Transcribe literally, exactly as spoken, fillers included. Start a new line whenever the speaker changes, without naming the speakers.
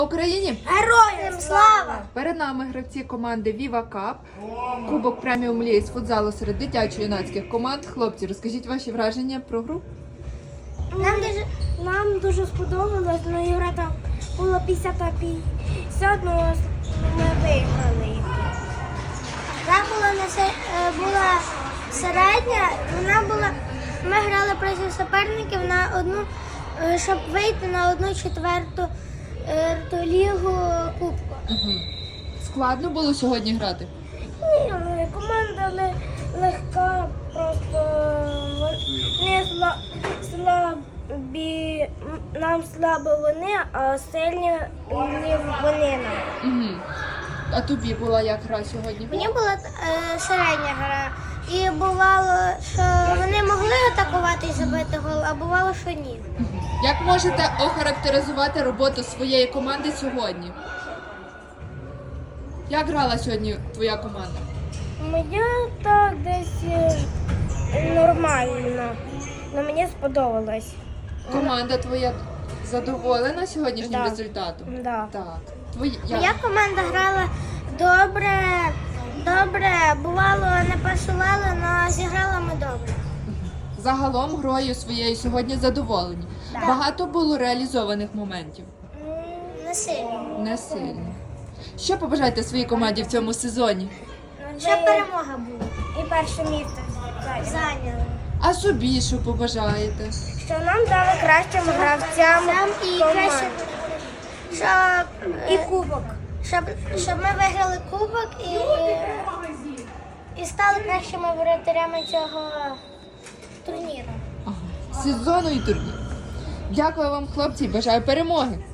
Україні!
Героям слава!
Перед нами гравці команди Viva Cup, Кубок преміум ліги з футзалу серед дитячо-юнацьких команд. Хлопці, розкажіть ваші враження про гру.
Нам дуже, нам дуже сподобалось, але ігра там була п'ятдесят на п'ятдесят, але ми виграли їх. Гра була, не се- е, була середня, вона була, ми грали проти суперників на одну, е, щоб вийти на одну четверту е, ту лігу Кубку.
Угу. Складно було сьогодні грати?
Ні, ну, команда не легка, просто не сла- слабі, нам слабо вони, а сильні вони нам.
Угу. А тобі була як гра сьогодні?
Мені була е, середня гра. І бувало, що вони могли атакувати і забити гол, а бувало, що ні.
Як можете охарактеризувати роботу своєї команди сьогодні? Як грала сьогодні твоя команда?
Моя так десь е, нормально, але мені сподобалось.
Команда твоя задоволена сьогоднішнім
Да.
результатом?
Да.
Так. Твої...
Моя команда грала добре, добре, бувало не пасували, але зіграли ми добре.
Загалом грою своєю сьогодні задоволені.
Да.
Багато було реалізованих моментів.
М, Не сильно.
Не сильно. Що побажаєте своїй команді в цьому сезоні?
Щоб перемога була. І перше місце зайняли.
А собі що побажаєте?
Що нам дали кращим гравцям і краще, щоб і кубок. Щоб, щоб ми виграли кубок і, і стали кращими воротарями цього турніру.
Ага. Сезону і турнір. Дякую вам, хлопці, і бажаю перемоги.